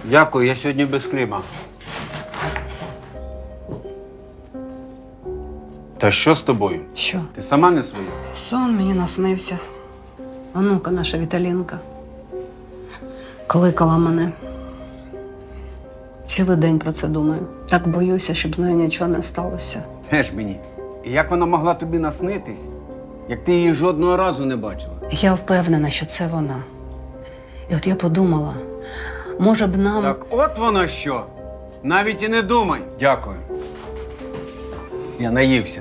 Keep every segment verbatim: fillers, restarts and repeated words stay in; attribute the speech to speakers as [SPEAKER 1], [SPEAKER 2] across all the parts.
[SPEAKER 1] Дякую, я сьогодні без хліба. Та що з тобою?
[SPEAKER 2] Що?
[SPEAKER 1] Ти сама не своя?
[SPEAKER 2] Сон мені наснився. Онука наша Віталінка кликала мене. Цілий день про це думаю. Так боюся, щоб з нею нічого не сталося.
[SPEAKER 1] Геш мені. І як вона могла тобі наснитись, як ти її жодного разу не бачила?
[SPEAKER 2] Я впевнена, що це вона. І от я подумала, може б нам…
[SPEAKER 1] Так от воно що. Навіть і не думай. Дякую. Я наївся.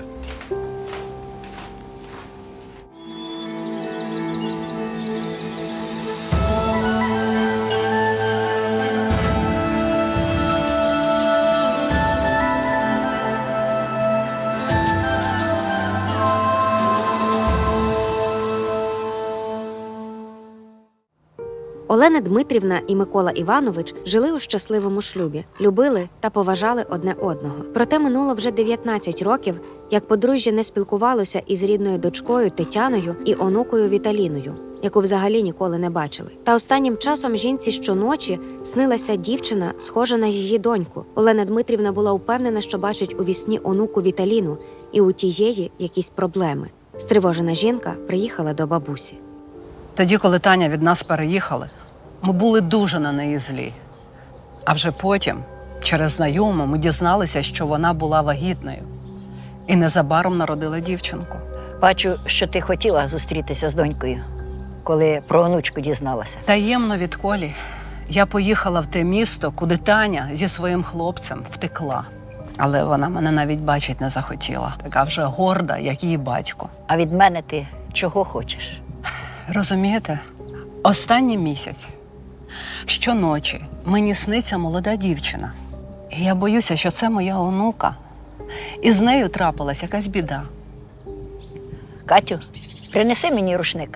[SPEAKER 3] Олена Дмитрівна і Микола Іванович жили у щасливому шлюбі, любили та поважали одне одного. Проте минуло вже дев'ятнадцять років, як подружжя не спілкувалося із рідною дочкою Тетяною і онукою Віталіною, яку взагалі ніколи не бачили. Та останнім часом жінці щоночі снилася дівчина, схожа на її доньку. Олена Дмитрівна була впевнена, що бачить у вісні онуку Віталіну, і у тієї якісь проблеми. Стривожена жінка приїхала до бабусі.
[SPEAKER 2] Тоді, коли Таня від нас переїхали, ми були дуже на неї злі. А вже потім, через знайому, ми дізналися, що вона була вагітною. І незабаром народила дівчинку.
[SPEAKER 4] Бачу, що ти хотіла зустрітися з донькою, коли про онучку дізналася.
[SPEAKER 2] Таємно від Колі я поїхала в те місто, куди Таня зі своїм хлопцем втекла. Але вона мене навіть бачить не захотіла. Така вже горда, як її батько.
[SPEAKER 4] А від мене ти чого хочеш?
[SPEAKER 2] Розумієте, останній місяць, щоночі мені сниться молода дівчина. І я боюся, що це моя онука. І з нею трапилась якась біда.
[SPEAKER 4] Катю, принеси мені рушник.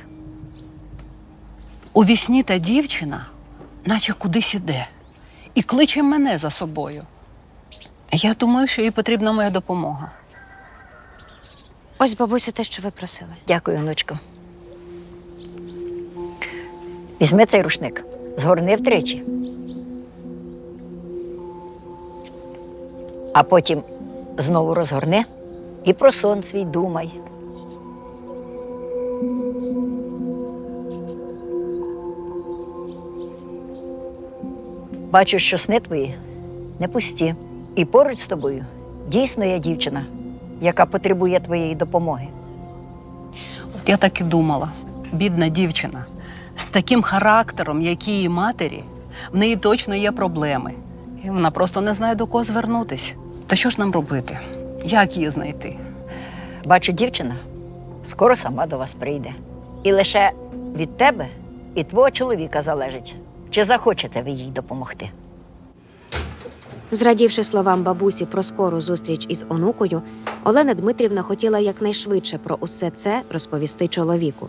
[SPEAKER 2] У вісні та дівчина наче кудись іде і кличе мене за собою. Я думаю, що їй потрібна моя допомога.
[SPEAKER 3] Ось, бабусю, те, що ви просили.
[SPEAKER 4] Дякую, онучко. Візьми цей рушник, згорни втричі. А потім знову розгорни і про сон свій думай. Бачу, що сни твої не пусті. І поруч з тобою дійсно є дівчина, яка потребує твоєї допомоги.
[SPEAKER 2] От я так і думала. Бідна дівчина. З таким характером, як її матері, в неї точно є проблеми. І вона просто не знає, до кого звернутись. То що ж нам робити? Як її знайти?
[SPEAKER 4] Бачу, дівчина скоро сама до вас прийде. І лише від тебе і твого чоловіка залежить, чи захочете ви їй допомогти.
[SPEAKER 3] Зрадівши словам бабусі про скору зустріч із онукою, Олена Дмитрівна хотіла якнайшвидше про усе це розповісти чоловіку.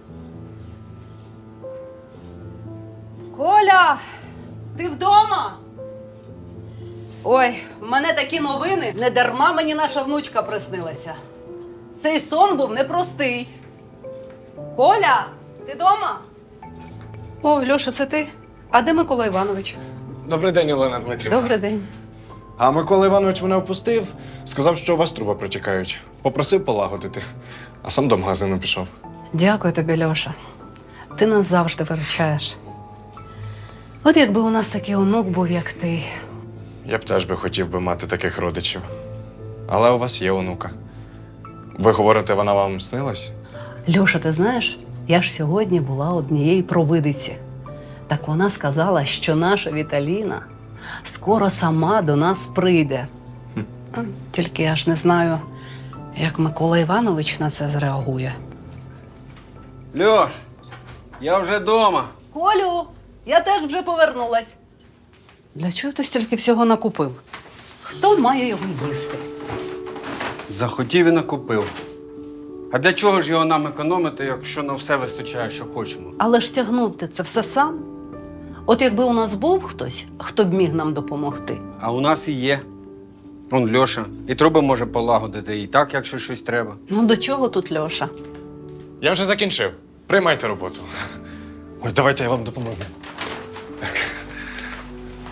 [SPEAKER 2] Коля, ти вдома? Ой, в мене такі новини. Не дарма мені наша внучка приснилася. Цей сон був непростий. Коля, ти вдома? О, Льоша, це ти? А де Микола Іванович?
[SPEAKER 5] Добрий день, Олена Дмитрівна.
[SPEAKER 2] Добрий день.
[SPEAKER 5] А Микола Іванович мене впустив, сказав, що у вас труби протікають. Попросив полагодити, а сам до магазину пішов.
[SPEAKER 2] Дякую тобі, Льоша. Ти нас завжди виручаєш. От якби у нас такий онук був, як ти.
[SPEAKER 5] Я б теж би хотів би мати таких родичів. Але у вас є онука. Ви говорите, вона вам снилась?
[SPEAKER 2] Льоша, ти знаєш, я ж сьогодні була однієї провидиці. Так вона сказала, що наша Віталіна скоро сама до нас прийде. А, Тільки я ж не знаю, як Микола Іванович на це зреагує.
[SPEAKER 1] Льош, я вже вдома.
[SPEAKER 2] Колю, я теж вже повернулась. Для чого ти стільки всього накупив? Хто має його їсти?
[SPEAKER 1] Захотів і накупив. А для чого ж його нам економити, якщо на все вистачає, що хочемо?
[SPEAKER 2] Але ж тягнув ти це все сам. От якби у нас був хтось, хто б міг нам допомогти.
[SPEAKER 1] А у нас і є. Он Льоша. І труби може полагодити, і так, якщо щось треба.
[SPEAKER 2] Ну до чого тут Льоша?
[SPEAKER 5] Я вже закінчив. Приймайте роботу. Ой, давайте я вам допоможу. Так.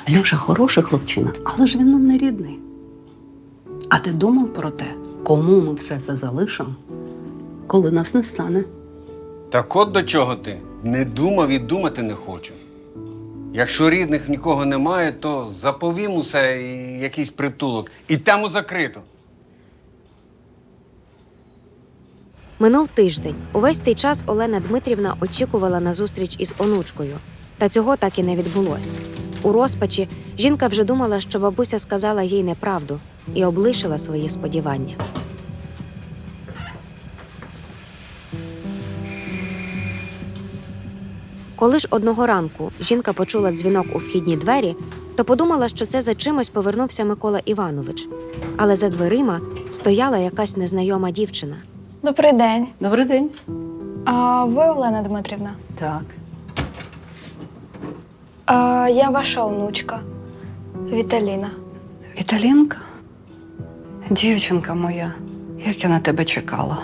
[SPEAKER 2] Льоша хороший хлопчина, але ж він нам не рідний. А ти думав про те, кому ми все це залишимо, коли нас не стане?
[SPEAKER 1] Так от до чого ти? Не думав і думати не хочу. Якщо рідних нікого немає, то заповім усе і якийсь притулок. І тему закрито.
[SPEAKER 3] Минув тиждень. Увесь цей час Олена Дмитрівна очікувала на зустріч із онучкою. Та цього так і не відбулось. У розпачі жінка вже думала, що бабуся сказала їй неправду і облишила свої сподівання. Коли ж одного ранку жінка почула дзвінок у вхідні двері, то подумала, що це за чимось повернувся Микола Іванович. Але за дверима стояла якась незнайома дівчина.
[SPEAKER 6] Добрий день.
[SPEAKER 2] Добрий день.
[SPEAKER 6] А ви Олена Дмитрівна?
[SPEAKER 2] Так.
[SPEAKER 6] А, я ваша онучка Віталіна.
[SPEAKER 2] Віталінка? Дівчинка моя, як я на тебе чекала.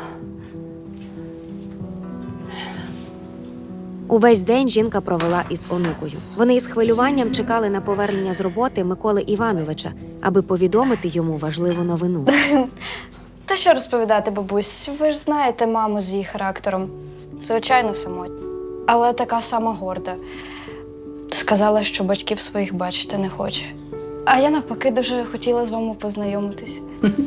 [SPEAKER 3] Увесь день жінка провела із онукою. Вони із хвилюванням чекали на повернення з роботи Миколи Івановича, аби повідомити йому важливу новину.
[SPEAKER 6] Та що розповідати, бабусь? Ви ж знаєте маму з її характером. Звичайно, самотня. Але така сама горда. Сказала, що батьків своїх бачити не хоче. А я навпаки дуже хотіла з вами познайомитись.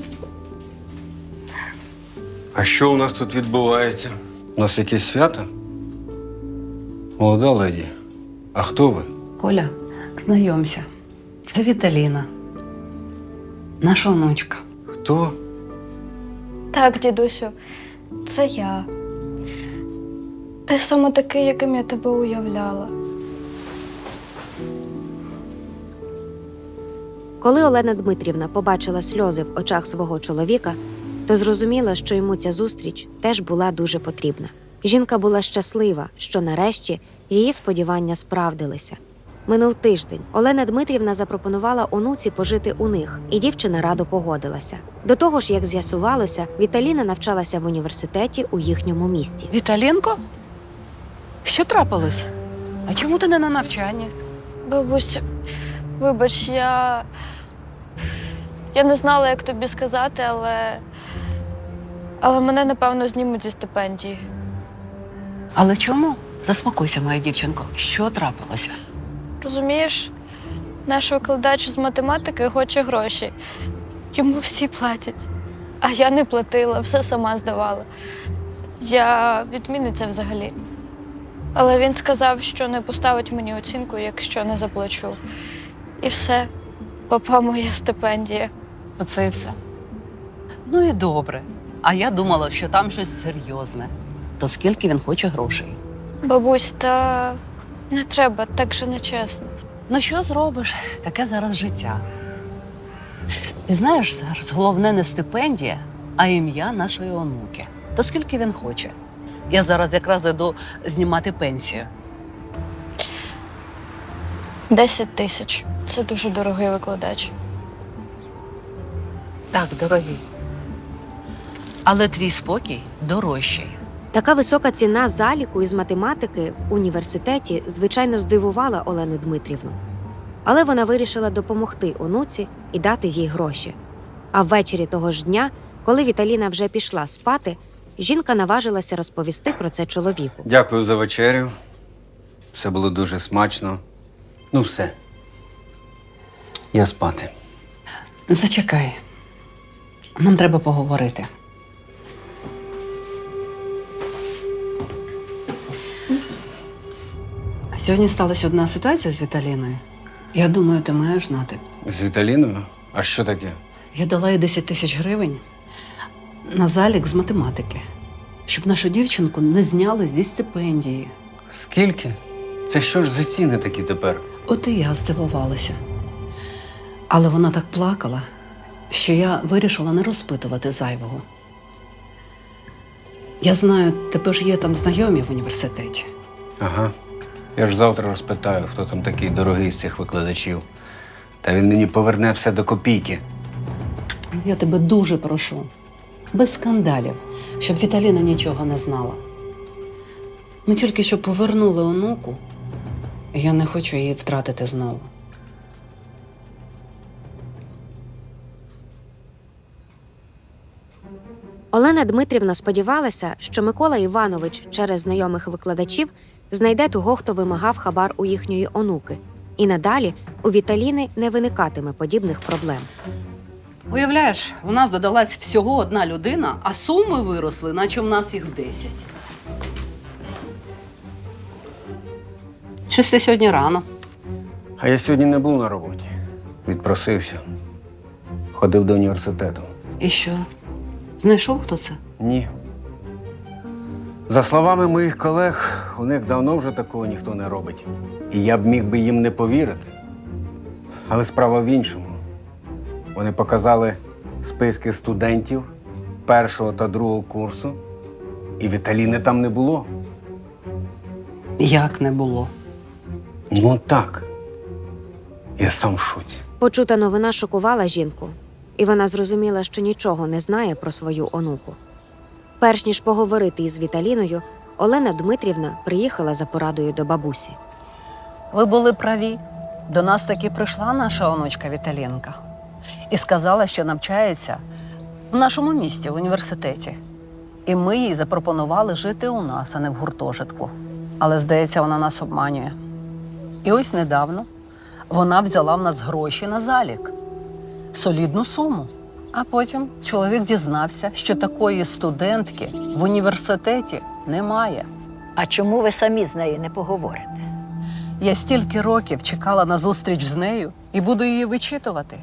[SPEAKER 1] А що у нас тут відбувається? У нас якесь свято? Молода леді, а хто ви?
[SPEAKER 2] Коля, знайомся. Це Віталіна. Наша онучка.
[SPEAKER 1] Хто?
[SPEAKER 6] Так, дідусю, це я. Ти саме такий, яким я тебе уявляла.
[SPEAKER 3] Коли Олена Дмитрівна побачила сльози в очах свого чоловіка, то зрозуміла, що йому ця зустріч теж була дуже потрібна. Жінка була щаслива, що нарешті її сподівання справдилися. Минув тиждень. Олена Дмитрівна запропонувала онуці пожити у них, і дівчина радо погодилася. До того ж, як з'ясувалося, Віталіна навчалася в університеті у їхньому місті.
[SPEAKER 7] Віталінко? Що трапилось? А чому ти не на навчанні?
[SPEAKER 6] Бабусь, вибач, я. Я не знала, як тобі сказати, але. Але мене, напевно, знімуть зі стипендії.
[SPEAKER 7] Але чому? Заспокойся, моя дівчинко. Що трапилося?
[SPEAKER 6] Розумієш, наш викладач з математики хоче гроші. Йому всі платять. А я не платила, все сама здавала. Я відмінниця взагалі. Але він сказав, що не поставить мені оцінку, якщо не заплачу. І все. Попа моя стипендія.
[SPEAKER 7] Оце і все. Ну і добре. А я думала, що там щось серйозне. То скільки він хоче грошей?
[SPEAKER 6] Бабусь, та не треба, так же нечесно.
[SPEAKER 7] Ну що зробиш? Таке зараз життя. І знаєш, зараз головне не стипендія, а ім'я нашої онуки. То скільки він хоче? Я зараз якраз йду знімати пенсію.
[SPEAKER 6] Десять тисяч. Це дуже дорогий викладач.
[SPEAKER 7] Так, дорогі. Але твій спокій дорожчий.
[SPEAKER 3] Така висока ціна заліку із математики в університеті, звичайно, здивувала Олену Дмитрівну. Але вона вирішила допомогти онуці і дати їй гроші. А ввечері того ж дня, коли Віталіна вже пішла спати, жінка наважилася розповісти про це чоловіку.
[SPEAKER 1] Дякую за вечерю. Все було дуже смачно. Ну все. Я спати.
[SPEAKER 7] Зачекай. Нам треба поговорити. Сьогодні сталася одна ситуація з Віталіною. Я думаю, ти маєш знати.
[SPEAKER 1] З Віталіною? А що таке?
[SPEAKER 7] Я дала їй десять тисяч гривень на залік з математики, щоб нашу дівчинку не зняли зі стипендії.
[SPEAKER 1] Скільки? Це що ж за ціни такі тепер?
[SPEAKER 7] От і я здивувалася. Але вона так плакала, що я вирішила не розпитувати зайвого. Я знаю, тебе ж є там знайомі в університеті.
[SPEAKER 1] Ага. Я ж завтра розпитаю, хто там такий дорогий з цих викладачів. Та він мені поверне все до копійки.
[SPEAKER 7] Я тебе дуже прошу, без скандалів, щоб Віталіна нічого не знала. Ми тільки що повернули онуку, і я не хочу її втратити знову.
[SPEAKER 3] Олена Дмитрівна сподівалася, що Микола Іванович через знайомих викладачів знайде того, хто вимагав хабар у їхньої онуки, і надалі у Віталіни не виникатиме подібних проблем.
[SPEAKER 2] Уявляєш, у нас додалась всього одна людина, а суми виросли, наче в нас їх десять. Щось ти сьогодні рано.
[SPEAKER 1] А я сьогодні не був на роботі. Відпросився. Ходив до університету.
[SPEAKER 2] І що? Знайшов, хто це?
[SPEAKER 1] Ні. За словами моїх колег, у них давно вже такого ніхто не робить. І я б міг би їм не повірити. Але справа в іншому. Вони показали списки студентів першого та другого курсу, і Віталіни там не було.
[SPEAKER 2] Як не було?
[SPEAKER 1] Ну так. Я сам в шоці.
[SPEAKER 3] Почута новина шокувала жінку, і вона зрозуміла, що нічого не знає про свою онуку. Перш ніж поговорити із Віталіною, Олена Дмитрівна приїхала за порадою до бабусі.
[SPEAKER 7] Ви були праві. До нас таки прийшла наша онучка Віталінка і сказала, що навчається в нашому місті, в університеті. І ми їй запропонували жити у нас, а не в гуртожитку. Але, здається, вона нас обманює. І ось недавно вона взяла в нас гроші на залік. Солідну суму. А потім чоловік дізнався, що такої студентки в університеті немає.
[SPEAKER 4] А чому ви самі з нею не поговорите?
[SPEAKER 7] Я стільки років чекала на зустріч з нею і буду її вичитувати.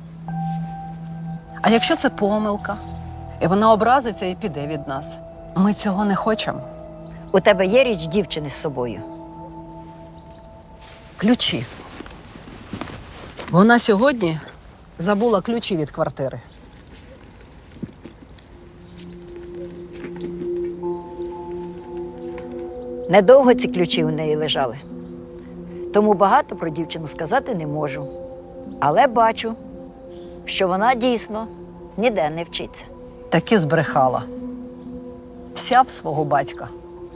[SPEAKER 7] А якщо це помилка, і вона образиться і піде від нас? Ми цього не хочемо.
[SPEAKER 4] У тебе є річ дівчини з собою?
[SPEAKER 7] Ключі. Вона сьогодні забула ключі від квартири.
[SPEAKER 4] Недовго ці ключі у неї лежали. Тому багато про дівчину сказати не можу. Але бачу, що вона дійсно ніде не вчиться.
[SPEAKER 7] Таки збрехала. Вся в свого батька.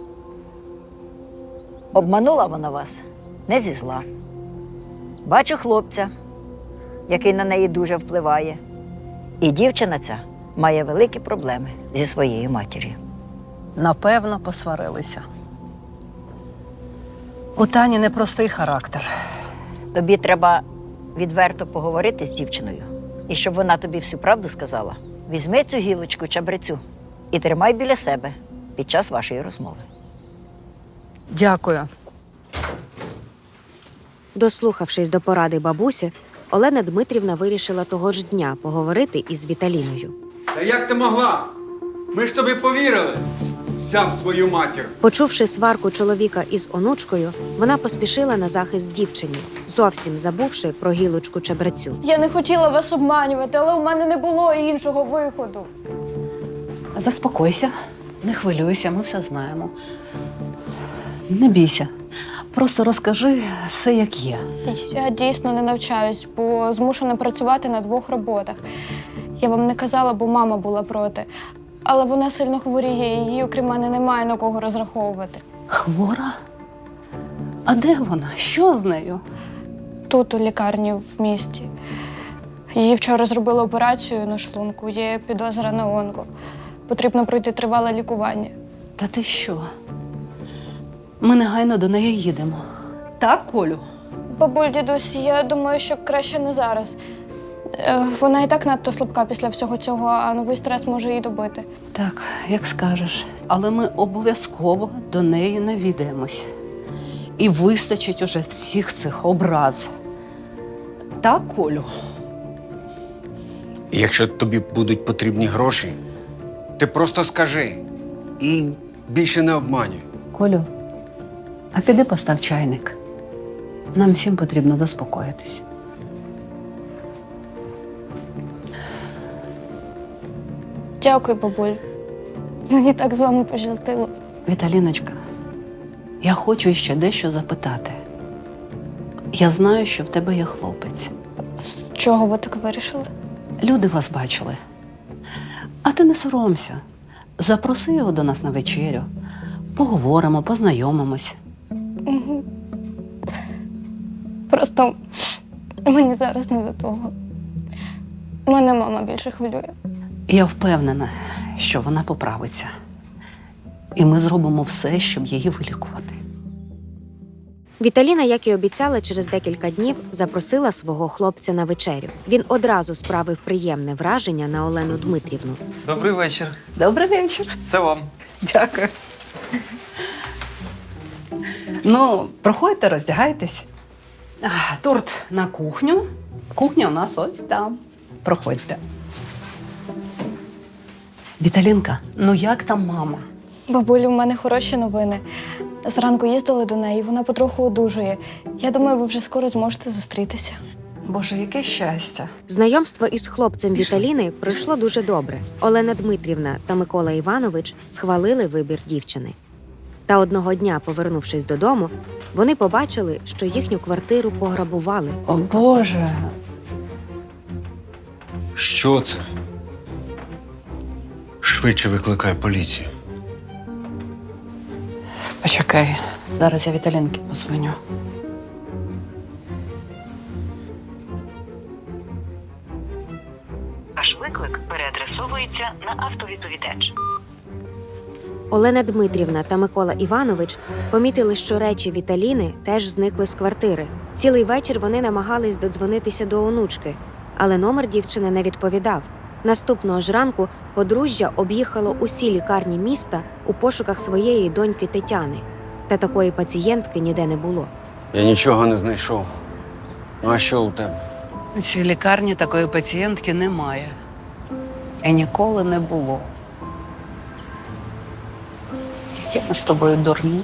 [SPEAKER 4] Обманула вона вас не зі зла. Бачу хлопця, який на неї дуже впливає. І дівчина ця має великі проблеми зі своєю матір'ю.
[SPEAKER 7] Напевно, посварилися. У Тані непростий характер.
[SPEAKER 4] Тобі треба відверто поговорити з дівчиною. І щоб вона тобі всю правду сказала, візьми цю гілочку чабрецю і тримай біля себе під час вашої розмови.
[SPEAKER 7] Дякую.
[SPEAKER 3] Дослухавшись до поради бабусі, Олена Дмитрівна вирішила того ж дня поговорити із Віталіною.
[SPEAKER 1] Та як ти могла? Ми ж тобі повірили. Сям свою матір.
[SPEAKER 3] Почувши сварку чоловіка із онучкою, вона поспішила на захист дівчині, зовсім забувши про гілочку чебрецю.
[SPEAKER 6] Я не хотіла вас обманювати, але у мене не було іншого виходу.
[SPEAKER 7] Заспокойся, не хвилюйся, ми все знаємо. Не бійся. Просто розкажи все, як є.
[SPEAKER 6] Я дійсно не навчаюсь, бо змушена працювати на двох роботах. Я вам не казала, бо мама була проти. Але вона сильно хворіє, і їй, окрім мене, немає на кого розраховувати.
[SPEAKER 7] Хвора? А де вона? Що з нею?
[SPEAKER 6] Тут, у лікарні в місті. Їй вчора зробили операцію на шлунку, є підозра на онко. Потрібно пройти тривале лікування.
[SPEAKER 7] Та ти що? Ми негайно до неї їдемо. Так, Колю?
[SPEAKER 6] Бабуль, дідусь, я думаю, що краще не зараз. Е, Вона і так надто слабка після всього цього, а новий стрес може її добити.
[SPEAKER 7] Так, як скажеш. Але ми обов'язково до неї навідаємось. І вистачить уже всіх цих образ. Так, Колю?
[SPEAKER 1] І якщо тобі будуть потрібні гроші, ти просто скажи. І більше не обманюй.
[SPEAKER 7] Колю, а піди постав чайник. Нам всім потрібно заспокоїтись.
[SPEAKER 6] Дякую, бабуль. Мені так з вами пощастило.
[SPEAKER 7] Віталіночка, я хочу ще дещо запитати. Я знаю, що в тебе є хлопець.
[SPEAKER 6] З чого ви так вирішили?
[SPEAKER 7] Люди вас бачили. А ти не соромся. Запроси його до нас на вечерю. Поговоримо, познайомимось.
[SPEAKER 6] Просто мені зараз не до того. Мене мама більше хвилює.
[SPEAKER 7] Я впевнена, що вона поправиться. І ми зробимо все, щоб її вилікувати.
[SPEAKER 3] Віталіна, як і обіцяла, через декілька днів запросила свого хлопця на вечерю. Він одразу справив приємне враження на Олену Дмитрівну.
[SPEAKER 8] Добрий вечір.
[SPEAKER 7] Добрий вечір.
[SPEAKER 8] Це вам.
[SPEAKER 7] Дякую. Ну, проходьте, роздягайтесь.
[SPEAKER 2] А, торт на кухню.
[SPEAKER 7] Кухня у нас ось там. Проходьте. Віталінка, ну як там мама?
[SPEAKER 6] Бабулю, у мене хороші новини. Зранку їздили до неї, вона потроху одужує. Я думаю, ви вже скоро зможете зустрітися.
[SPEAKER 2] Боже, яке щастя.
[SPEAKER 3] Знайомство із хлопцем Віталіни пройшло дуже добре. Олена Дмитрівна та Микола Іванович схвалили вибір дівчини. Та одного дня, повернувшись додому, вони побачили, що їхню квартиру пограбували.
[SPEAKER 2] О Боже.
[SPEAKER 1] Що це? Швидше викликай поліцію.
[SPEAKER 2] Почекай, зараз я Віталінки подзвоню.
[SPEAKER 9] Ваш виклик переадресовується на автовідповідач.
[SPEAKER 3] Олена Дмитрівна та Микола Іванович помітили, що речі Віталіни теж зникли з квартири. Цілий вечір вони намагались додзвонитися до онучки, але номер дівчини не відповідав. Наступного ж ранку подружжя об'їхало усі лікарні міста у пошуках своєї доньки Тетяни. Та такої пацієнтки ніде не було.
[SPEAKER 1] Я нічого не знайшов. Ну а що у тебе?
[SPEAKER 7] У цій лікарні такої пацієнтки немає. І ніколи не було. Які ми з тобою дурні.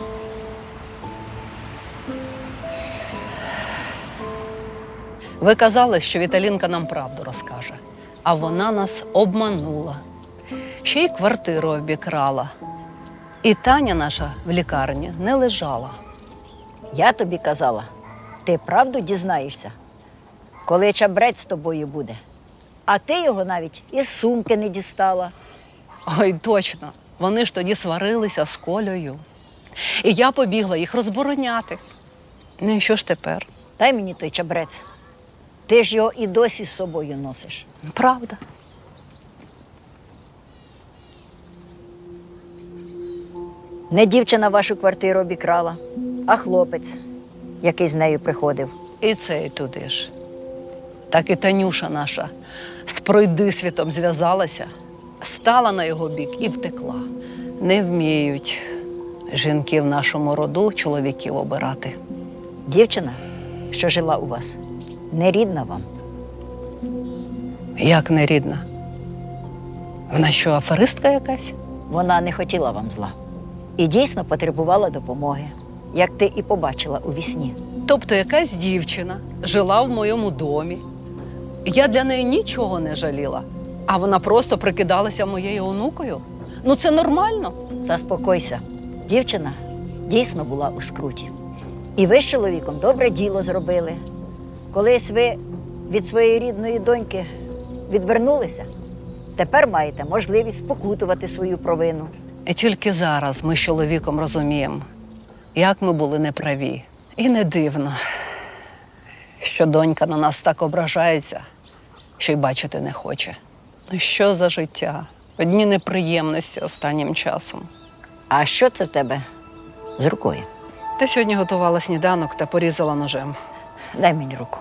[SPEAKER 7] Ви казали, що Віталінка нам правду розкаже, а вона нас обманула. Ще й квартиру обікрала. І Таня наша в лікарні не лежала.
[SPEAKER 4] Я тобі казала, ти правду дізнаєшся, коли чабрець з тобою буде. А ти його навіть із сумки не дістала.
[SPEAKER 7] Ой, точно. Вони ж тоді сварилися з Колею. І я побігла їх розбороняти. Ну і що ж тепер?
[SPEAKER 4] Дай мені той чабрець. Ти ж його і досі з собою носиш.
[SPEAKER 7] Правда.
[SPEAKER 4] Не дівчина вашу квартиру обікрала, а хлопець, який з нею приходив.
[SPEAKER 7] І цей туди ж. Так і Танюша наша з пройдисвітом зв'язалася, стала на його бік і втекла. Не вміють жінки в нашому роду чоловіків обирати.
[SPEAKER 4] Дівчина, що жила у вас, не рідна вам.
[SPEAKER 7] Як не рідна? Вона що, аферистка якась?
[SPEAKER 4] Вона не хотіла вам зла. І дійсно потребувала допомоги, як ти і побачила у вісні.
[SPEAKER 7] Тобто якась дівчина жила в моєму домі. Я для неї нічого не жаліла, а вона просто прикидалася моєю онукою? Ну це нормально?
[SPEAKER 4] Заспокойся. Дівчина дійсно була у скруті. І ви з чоловіком добре діло зробили. Колись ви від своєї рідної доньки відвернулися, тепер маєте можливість спокутувати свою провину.
[SPEAKER 7] І тільки зараз ми з чоловіком розуміємо, як ми були неправі. І не дивно, що донька на нас так ображається, що й бачити не хоче. Ну що за життя? Одні неприємності останнім часом.
[SPEAKER 4] А що це в тебе з рукою?
[SPEAKER 7] Та сьогодні готувала сніданок та порізала ножем.
[SPEAKER 4] Дай мені руку.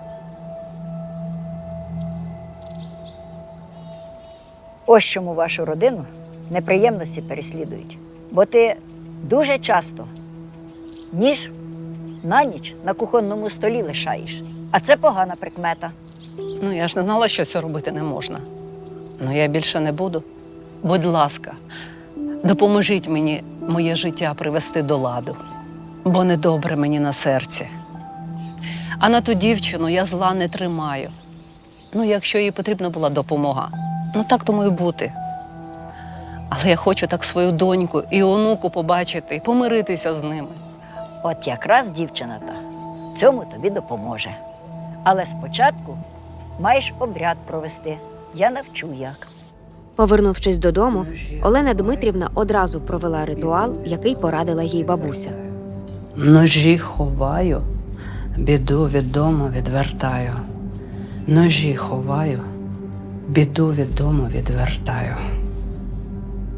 [SPEAKER 4] Ось чому вашу родину неприємності переслідують. Бо ти дуже часто ніж на ніч на кухонному столі лишаєш. А це погана прикмета.
[SPEAKER 7] Ну, я ж не знала, що це робити не можна. Ну, я більше не буду. Будь ласка, допоможіть мені моє життя привести до ладу, бо недобре мені на серці. А на ту дівчину я зла не тримаю. Ну, якщо їй потрібна була допомога, ну так тому і бути. Але я хочу так свою доньку і онуку побачити і помиритися з ними.
[SPEAKER 4] От якраз дівчина та цьому тобі допоможе. Але спочатку маєш обряд провести. Я навчу як.
[SPEAKER 3] Повернувшись додому, Олена Дмитрівна одразу провела ритуал, який порадила їй бабуся.
[SPEAKER 2] Ножі ховаю, біду від дому відвертаю. Ножі ховаю, біду від дому відвертаю.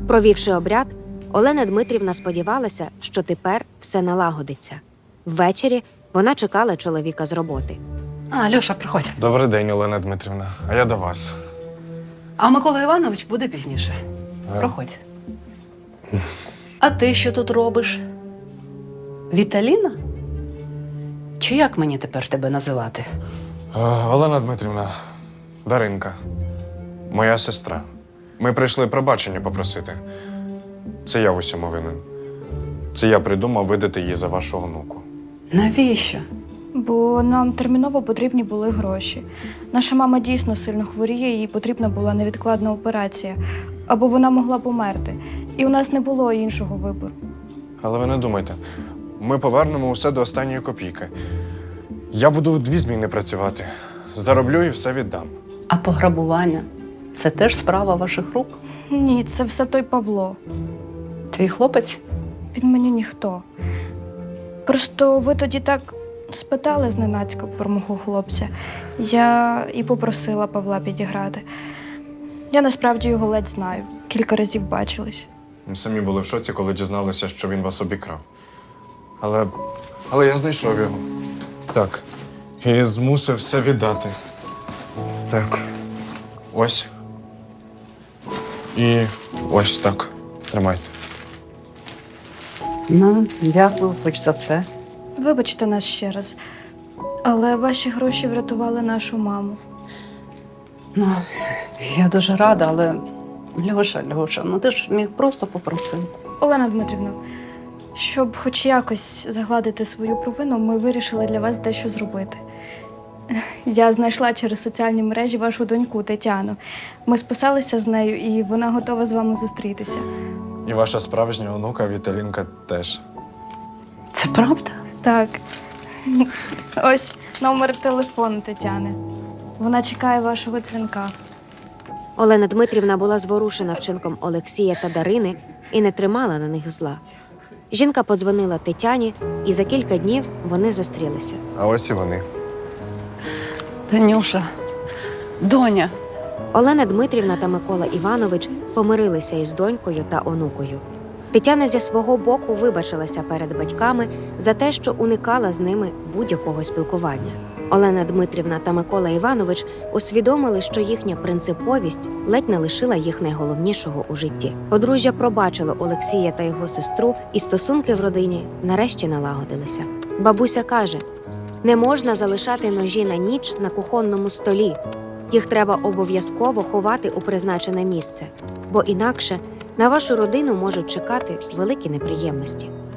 [SPEAKER 3] Провівши обряд, Олена Дмитрівна сподівалася, що тепер все налагодиться. Ввечері вона чекала чоловіка з роботи.
[SPEAKER 2] А, Льоша, приходь.
[SPEAKER 5] Добрий день, Олена Дмитрівна. А я до вас.
[SPEAKER 2] А Микола Іванович буде пізніше. Проходь. А ти що тут робиш? Віталіна? Чи як мені тепер тебе називати?
[SPEAKER 5] Е, Олена Дмитрівна, Даринка, моя сестра. Ми прийшли пробачення попросити. Це я в усьому винен. Це я придумав видати її за вашу онуку.
[SPEAKER 2] Навіщо?
[SPEAKER 8] Бо нам терміново потрібні були гроші. Наша мама дійсно сильно хворіє, їй потрібна була невідкладна операція. Або вона могла померти. І у нас не було іншого вибору.
[SPEAKER 5] Але ви не думайте, ми повернемо усе до останньої копійки. Я буду дві зміни працювати. Зароблю і все віддам.
[SPEAKER 2] А пограбування – це теж справа ваших рук?
[SPEAKER 8] Ні, це все той Павло.
[SPEAKER 2] Твій хлопець?
[SPEAKER 8] Він мені ніхто. Просто ви тоді так спитали зненацька про мого хлопця. Я і попросила Павла підіграти. Я насправді його ледь знаю. Кілька разів бачились.
[SPEAKER 5] Ми самі були в шоці, коли дізналися, що він вас обікрав. Але, але я знайшов його. Так. І змусив все віддати. Так. Ось. І ось так. Тримайте.
[SPEAKER 2] Ну, дякую хоч за це.
[SPEAKER 8] Вибачте нас ще раз. Але ваші гроші врятували нашу маму.
[SPEAKER 2] Ну, я дуже рада, але Льоша, Льоша, ну ти ж міг просто попросити.
[SPEAKER 8] Олена Дмитрівна, щоб хоч якось загладити свою провину, ми вирішили для вас дещо зробити. Я знайшла через соціальні мережі вашу доньку Тетяну. Ми списалися з нею, і вона готова з вами зустрітися.
[SPEAKER 5] І ваша справжня онука Віталінка теж.
[SPEAKER 2] Це правда?
[SPEAKER 8] Так. Ось номер телефону Тетяни. Вона чекає вашого дзвінка.
[SPEAKER 3] Олена Дмитрівна була зворушена вчинком Олексія та Дарини і не тримала на них зла. Жінка подзвонила Тетяні, і за кілька днів вони зустрілися.
[SPEAKER 5] А ось і вони.
[SPEAKER 2] Танюша, доня.
[SPEAKER 3] Олена Дмитрівна та Микола Іванович помирилися із донькою та онукою. Тетяна зі свого боку вибачилася перед батьками за те, що уникала з ними будь-якого спілкування. Олена Дмитрівна та Микола Іванович усвідомили, що їхня принциповість ледь не лишила їх найголовнішого у житті. Подружжя пробачило Олексія та його сестру, і стосунки в родині нарешті налагодилися. Бабуся каже, не можна залишати ножі на ніч на кухонному столі. Їх треба обов'язково ховати у призначене місце, бо інакше на вашу родину можуть чекати великі неприємності.